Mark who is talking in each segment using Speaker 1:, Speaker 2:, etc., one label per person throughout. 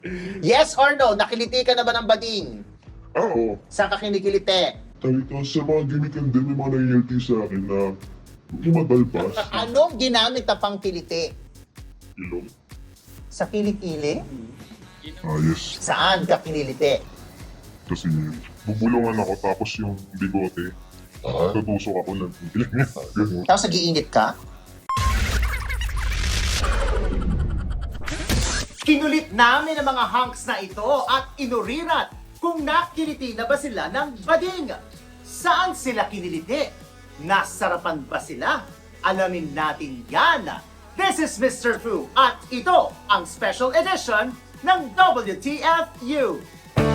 Speaker 1: Yes or no? Nakiliti ka na ba ng bading?
Speaker 2: Oo.
Speaker 1: Saan ka kinikiliti?
Speaker 2: Talaga sa mga gimikan din, may mga nangyayalti sa akin na lumadalpas.
Speaker 1: Anong ginamit na pangkiliti?
Speaker 2: Ilong.
Speaker 1: Sa kilikili?
Speaker 2: Yes.
Speaker 1: Saan ka kiniliti?
Speaker 2: Kasi bubulungan ako tapos yung bigote. Tutusok ako ng bilang niya. Ganun.
Speaker 1: Tapos nag-iinit ka? Kinulit namin ang mga hunks na ito at inurirat kung nakiliti na ba sila ng bading. Saan sila kiniliti? Nasarapan ba sila? Alamin natin yan. This is Mr. Fu at ito ang special edition ng WTFU.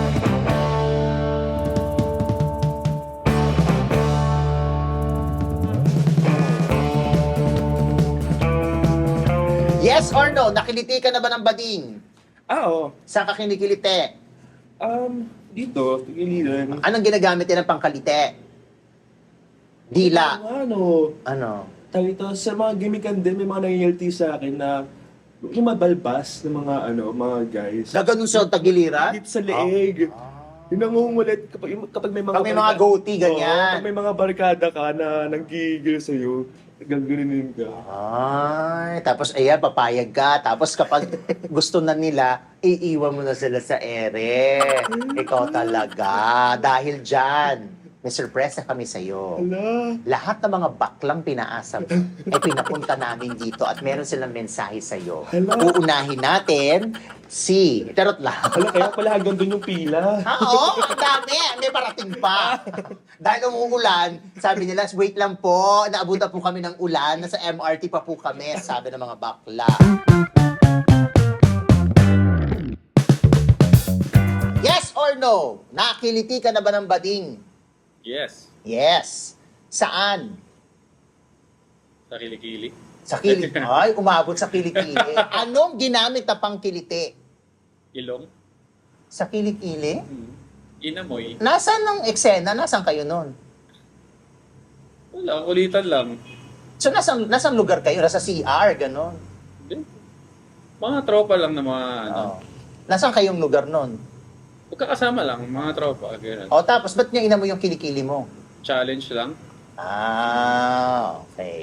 Speaker 1: Yes or no? Nakiliti ka na ba ng bading?
Speaker 3: Oo.
Speaker 1: Saan ka kinikiliti?
Speaker 3: Dito, tigiliran.
Speaker 1: Anong ginagamit din ng pangkalite? Dila. Ano?
Speaker 3: Tawag ito, sa mga gimikan din, may mga nangyayalti sa akin na lumabalbas ng mga guys.
Speaker 1: Gaganon sa tagiliran?
Speaker 3: Dito sa leeg. Yung nangungulit kapag may mga
Speaker 1: Pag may mga goatee, ganyan.
Speaker 3: Oo, pag may mga barkada ka na nanggigil sa'yo, gagawinin ka.
Speaker 1: Ay, tapos ayan, papayag ka. Tapos kapag gusto na nila, iiwan mo na sila sa ere. Ikaw talaga. Dahil dyan, may surpresa kami sa'yo.
Speaker 3: Ala.
Speaker 1: Lahat ng mga baklang pinaasa mo, ay pinapunta namin dito at meron silang mensahe sa'yo.
Speaker 3: Hala.
Speaker 1: Uunahin natin si... Charot lang.
Speaker 3: Ala, kaya pala hanggang doon yung pila.
Speaker 1: Oo, ang dami. May parating pa. Dahil umuulan, sabi nila, wait lang po, naabutan po kami ng ulan, nasa MRT pa po kami, sabi ng mga bakla. Yes or no? Nakiliti ka na ba ng bading?
Speaker 4: Yes.
Speaker 1: Yes. Saan?
Speaker 4: Sa kilikili.
Speaker 1: Sa kilik. Ay, umabot sa kilikili. Anong ginamit na pangkiliti?
Speaker 4: Ilong.
Speaker 1: Sa kilikili?
Speaker 4: Inamoy.
Speaker 1: Nasaan ang eksena? Nasaan kayo nun?
Speaker 4: Wala, kulitan lang.
Speaker 1: So, nasaan lugar kayo? Nasa CR, ganon.
Speaker 4: Hindi. Mga tropa lang na mga
Speaker 1: Oh. Nasaan kayong lugar nun?
Speaker 4: Pagkakasama lang, mga tropa. Ganun.
Speaker 1: O, tapos, ba't niya ina mo yung kilikili mo?
Speaker 4: Challenge lang.
Speaker 1: Ah, okay.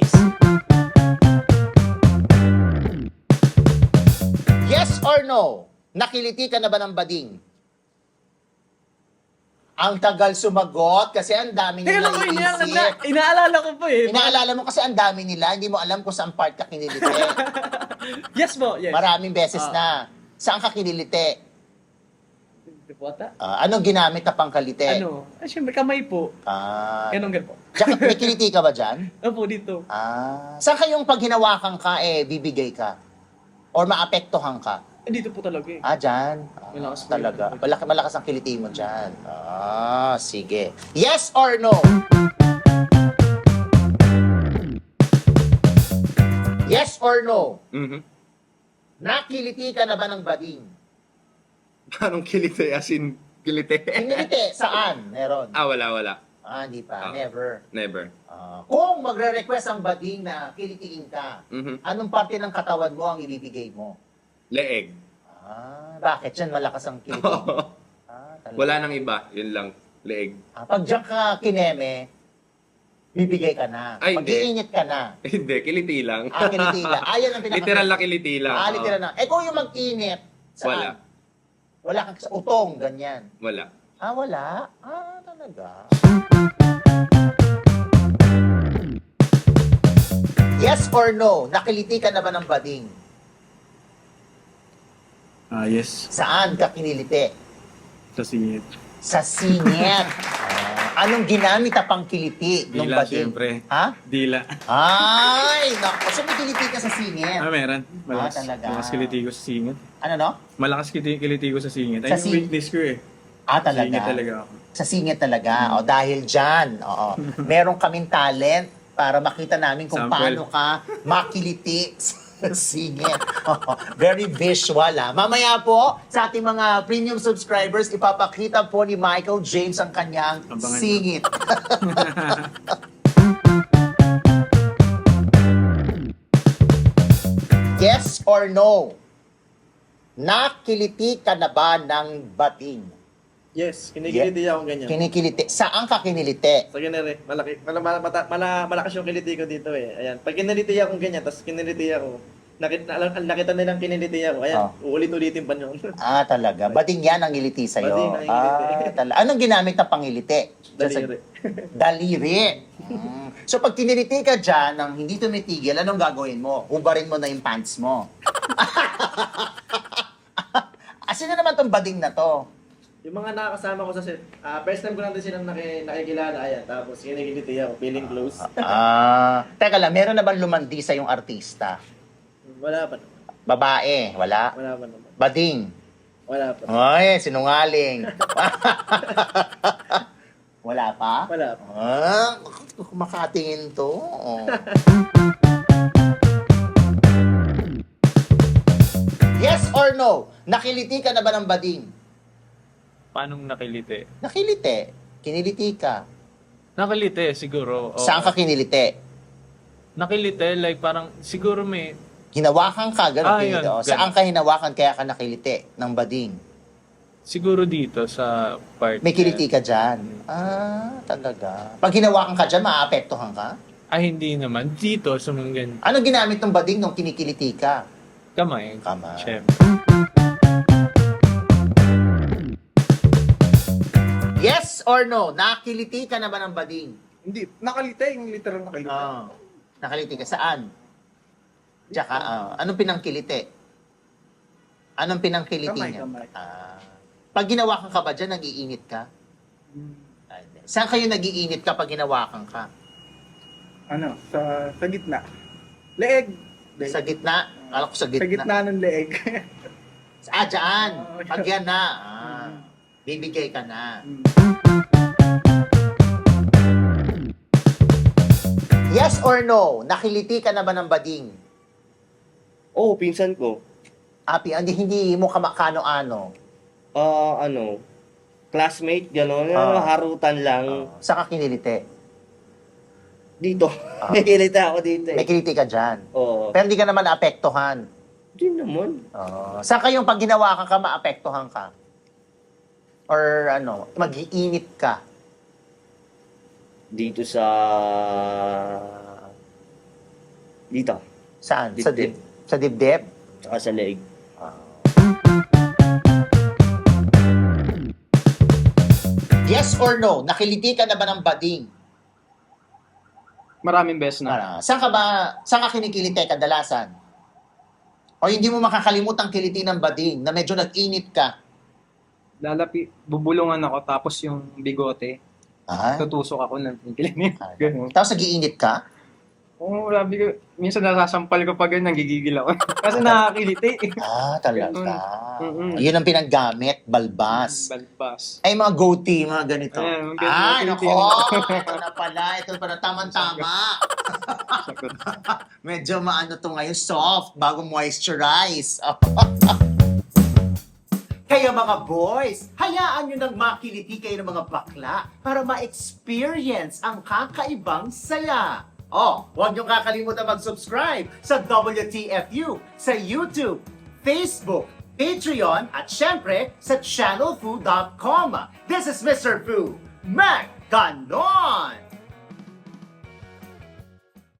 Speaker 1: Yes or no? Nakiliti ka na ba ng bading? Ang tagal sumagot kasi ang dami nila iniisip.
Speaker 3: Inaalala ko po eh.
Speaker 1: Inaalala mo kasi ang dami nila, hindi mo alam kung saan part ka kiniliti.
Speaker 3: Yes po, yes.
Speaker 1: Maraming beses na. Saan ka kiniliti? Anong ginamit na pangkalite?
Speaker 3: Siyempre kamay po.
Speaker 1: Ganun
Speaker 3: Ganun po.
Speaker 1: Tsaka, may kiliti ka ba dyan?
Speaker 3: Opo, dito.
Speaker 1: Saan kayong pag hinawakan ka, bibigay ka? Or maapektuhan ka?
Speaker 3: Dito po talaga eh.
Speaker 1: Dyan.
Speaker 3: Malakas po
Speaker 1: Talaga.
Speaker 3: yun.
Speaker 1: Malakas ang kiliti mo dyan. Sige. Yes or no? Yes or no? Nakiliti ka na ba ng bading?
Speaker 5: Anong kilite? As in, kilite?
Speaker 1: Kiniliti, saan? Meron.
Speaker 5: Wala.
Speaker 1: Hindi pa. Never.
Speaker 5: Never.
Speaker 1: Kung magre-request ang bading na kilitiin ka,
Speaker 5: Mhm.
Speaker 1: anong parte ng katawan mo ang ibibigay mo?
Speaker 5: Leeg.
Speaker 1: Bakit yan malakas ang kiliti? Talaga.
Speaker 5: Wala nang iba. Yun lang. Leeg.
Speaker 1: Pag diyan ka kineme, bibigay ka na.
Speaker 5: Ay,
Speaker 1: Pag
Speaker 5: hindi.
Speaker 1: iinit ka na.
Speaker 5: Hindi, kiliti lang.
Speaker 1: Kiliti lang. Yan ang pinaka...
Speaker 5: Literal na kiliti lang.
Speaker 1: Literal na. Kung yung mag-init, saan?
Speaker 5: Wala.
Speaker 1: Wala kang sa utong, ganyan.
Speaker 5: Wala.
Speaker 1: Wala? Talaga. Yes or no? Nakiliti ka na ba ng bading?
Speaker 3: Yes.
Speaker 1: Saan ka kiniliti?
Speaker 3: Sa singit.
Speaker 1: Sa singit. Anong ginamit na pangkiliti ng
Speaker 3: Dila,
Speaker 1: bading?
Speaker 3: syempre.
Speaker 1: Dila. Naku. So may kiliti ka sa singit.
Speaker 3: Meron. Malakas.
Speaker 1: Talaga.
Speaker 3: Malakas kiliti ko sa singit.
Speaker 1: Ano no?
Speaker 3: Malakas kiliti ko sa singit.
Speaker 1: Sa
Speaker 3: Ay, yung weakness ko eh.
Speaker 1: Talaga.
Speaker 3: Singit talaga ako.
Speaker 1: Sa singit talaga. Dahil dyan, meron kaming talent para makita namin kung
Speaker 3: Sample.
Speaker 1: paano ka makiliti sa singit. Very visual, Mamaya po, sa ating mga premium subscribers, ipapakita po ni Michael James ang kanyang
Speaker 3: Abangan
Speaker 1: singit. Yes or no? nakiliti ka na ba ng bading?
Speaker 3: Yes, kinikiliti ako ganyan.
Speaker 1: Kinikiliti. Saan ka kiniliti?
Speaker 3: Sa ganere, malakas yung kiliti ko dito eh. Ayan, pag kiniliti ako ganyan, tapos kiniliti ako, nakita nilang kiniliti ako, ayan, uulit-ulitin pa yun.
Speaker 1: Ah, talaga. Bading yan ang ngiliti sa'yo.
Speaker 3: Bading ang ngiliti.
Speaker 1: Anong ginamit na pangiliti?
Speaker 3: Daliri.
Speaker 1: Daliri. So pag kiniliti ka dyan, nang hindi tumitigil, anong gagawin mo? Hubarin mo na yung pants mo. Sino naman tong bading na to?
Speaker 3: Yung mga nakakasama ko sa set, first time ko lang din silang nakikilala, ayan, tapos kinikiliti ako, feeling close.
Speaker 1: Teka lang, meron na bang lumandi sa yung artista?
Speaker 3: Wala pa naman.
Speaker 1: Babae, wala?
Speaker 3: Wala pa naman.
Speaker 1: Bading?
Speaker 3: Wala pa.
Speaker 1: Ay, sinungaling. Wala pa?
Speaker 3: Wala pa.
Speaker 1: Makatingin to. Yes or no? Nakiliti ka na ba ng bading?
Speaker 4: Paano nakiliti?
Speaker 1: Nakiliti. Kiniliti ka.
Speaker 4: Nakiliti, siguro. Oo.
Speaker 1: Saan ka kiniliti?
Speaker 4: Nakiliti, like parang, siguro may,
Speaker 1: Hinawakan ka, gano'n.
Speaker 4: Yun,
Speaker 1: kiniliti.
Speaker 4: ganun.
Speaker 1: Saan ka hinawakan kaya ka nakiliti ng bading?
Speaker 4: siguro dito sa part.
Speaker 1: May kiliti
Speaker 4: na-
Speaker 1: ka dyan. Talaga. Pag hinawakan ka dyan, maaapektuhan ka?
Speaker 4: Hindi naman. Dito, sa mga ganyan.
Speaker 1: Ano ginamit ng bading nung kinikiliti ka?
Speaker 4: Kamay.
Speaker 1: Kamay.
Speaker 4: Siyempre.
Speaker 1: Yes or no? Nakiliti ka na ba ng bading?
Speaker 5: Hindi, nakalite, yung literal nakalite.
Speaker 1: Nakaliti ka. Saan? Tsaka, anong pinangkiliti? Anong pinangkiliti
Speaker 5: Kamay,
Speaker 1: niya?
Speaker 5: kamay.
Speaker 1: Pag ginawakan ka ba dyan, nag-iinit ka? Ay, hindi. Saan kayo nag-iinit kapag ginawakan ka?
Speaker 5: Ano, sa gitna. Leeg.
Speaker 1: Sa gitna? Kala ko sa
Speaker 5: Sa
Speaker 1: gitna.
Speaker 5: gitna ng leeg.
Speaker 1: Dyan. Pag yan na. Bibigay ka na. Yes or no? Nakiliti ka na ba ng bading?
Speaker 6: Oo, pinsan ko.
Speaker 1: Api, hindi mo kamakano-ano.
Speaker 6: Ano, classmate, gano'n. Harutan lang.
Speaker 1: Saan ka kiniliti?
Speaker 6: Dito. May kilita ako dito
Speaker 1: May
Speaker 6: eh.
Speaker 1: kiliti ka dyan.
Speaker 6: Oo.
Speaker 1: Pero hindi ka naman naapektuhan.
Speaker 6: Hindi naman.
Speaker 1: Saan kayong pag ginawakan ka, maapektuhan ka? Or ano, mag-iinit ka?
Speaker 6: Dito sa... Dito.
Speaker 1: Saan?
Speaker 6: Dibdib.
Speaker 1: Sa dibdib?
Speaker 6: Saka sa leeg.
Speaker 1: Yes or no? Nakiliti ka na ba ng bading?
Speaker 5: Maraming beses na.
Speaker 1: Saan ka kinikiliti kadalasan? O hindi mo makakalimutang kiliti ng bading na medyo nag-init ka?
Speaker 7: Bubulungan ako tapos yung bigote,
Speaker 1: Ah,
Speaker 7: tutusok ako ng kilimit. Ganun.
Speaker 1: tapos nag-iinit ka?
Speaker 7: Oo, grabe ko. Minsan nasasampal ko pa ganun, nagigigil ako. Kasi nakakiliti.
Speaker 1: Talaga.
Speaker 7: Mm-mm.
Speaker 1: Yun ang pinaggamit, balbas.
Speaker 7: Balbas.
Speaker 1: Ay, mga goatee, mga ganito.
Speaker 7: Ayan, mga ganito,
Speaker 1: Nako!
Speaker 7: kiliti.
Speaker 1: Ito na pala. Ito pala, tama-tama.
Speaker 7: Sagot.
Speaker 1: Medyo maano to ngayon, soft, bago moisturize. Kaya mga boys, hayaan nyo nang makiliti kayo ng mga bakla para ma-experience ang kakaibang saya. Huwag nyo kakalimutan mag-subscribe sa WTFU, sa YouTube, Facebook, Patreon, at syempre sa channelfu.com. This is Mr. Fu. Ganon!